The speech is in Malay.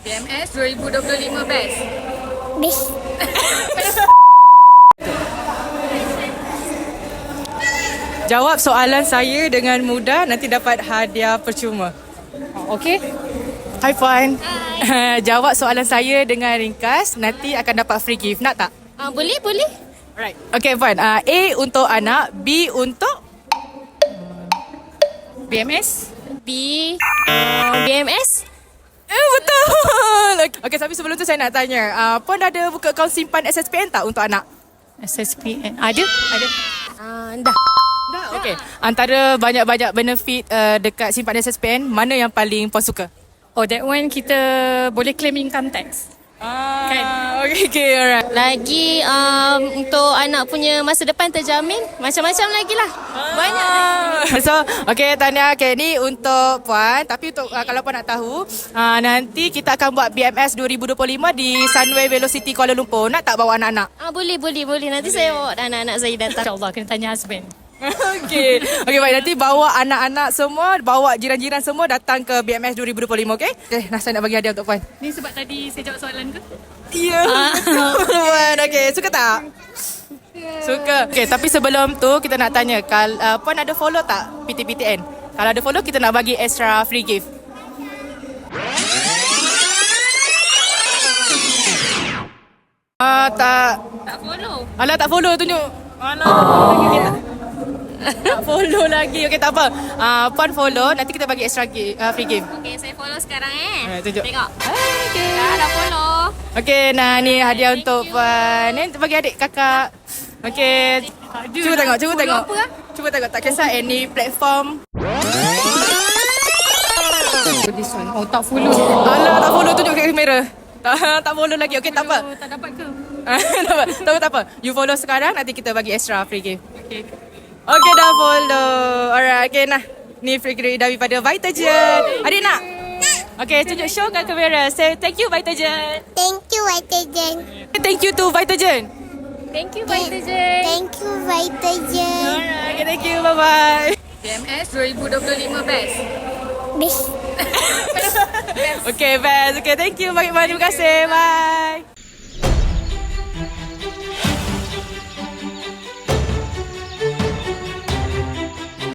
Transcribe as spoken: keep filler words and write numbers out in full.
B M S dua ribu dua puluh lima best. Best. Jawab soalan saya dengan mudah, nanti dapat hadiah percuma. Okey? Hi Puan. Hi. Jawab soalan saya dengan ringkas, nanti akan dapat free gift. Nak tak? Ah, boleh, boleh. Alright. Okey Puan. Uh, A untuk anak, B untuk B M S. B. Uh, B M S. Eh, betul. Okey, tapi sebelum tu saya nak tanya, uh, Puan ada buka akaun simpan S S P N tak untuk anak? S S P N. Ada? Ada. Ah, dah. Dah. Okey. Antara banyak-banyak benefit uh, dekat simpan S S P N, mana yang paling Puan suka? Oh, that one kita boleh claim income tax. Ah, Kan? okey, okey, alright. Lagi um, untuk anak punya masa depan terjamin. Macam-macam lagi lah. Banyak. So, okay Tania, okay, ni untuk Puan. Tapi untuk uh, kalau Puan nak tahu, uh, nanti kita akan buat B M S dua ribu dua puluh lima di Sunway Velocity Kuala Lumpur. Nak tak bawa anak-anak? Ah, boleh, boleh, boleh. Nanti saya bawa anak-anak saya datang. InsyaAllah kena tanya husband. Okay. Okay, baik. Nanti bawa anak-anak semua, bawa jiran-jiran semua datang ke B M S dua ribu dua puluh lima, okay? Okay, nah, saya nak bagi hadiah untuk Puan. Ni sebab tadi saya jawab soalan ke? Ya, yeah, Puan. Okay, suka tak? Suka. Okay, tapi sebelum tu kita nak tanya, kal, uh, Puan ada follow tak P T P T N? Kalau ada follow, kita nak bagi extra free gift. Ah, uh, tak. Tak follow. Alah, tak follow tunjuk. Alah, okay, tak. Tak follow lagi. Okey, tak apa. Uh, Puan follow, nanti kita bagi extra gi- uh, free game. Okay, saya follow sekarang eh. Eh, tunjuk. Tengok. Okay. Dah, dah follow. Okey, nah ni hadiah untuk Puan. Ni bagi adik kakak. Okey. Cuba tengok, cuba tengok. apa lah? Cuba tengok, tak kisah any platform. This one. Oh, tak follow. Alah, tak follow, tunjuk kat kamera. Tak, tak follow lagi. Okey, tak apa. Oh, tak dapat ke? tak apa, tak apa, tak apa. You follow sekarang, nanti kita bagi extra free game. Okay. Okey, dah follow. Alright, okey nah. Ni free gift daripada Vitagen. Adik nak? Okey, tunjuk show kat kamera. Say thank you Vitagen. Thank you, Vitagen. Thank you to Vitagen. Thank you, Vitagen. Thank you, Vitagen. Alright, okay, thank you. Bye bye. B M S dua ribu dua puluh lima best. Best. Okay, best. Okay, thank you. Terima kasih. Bye.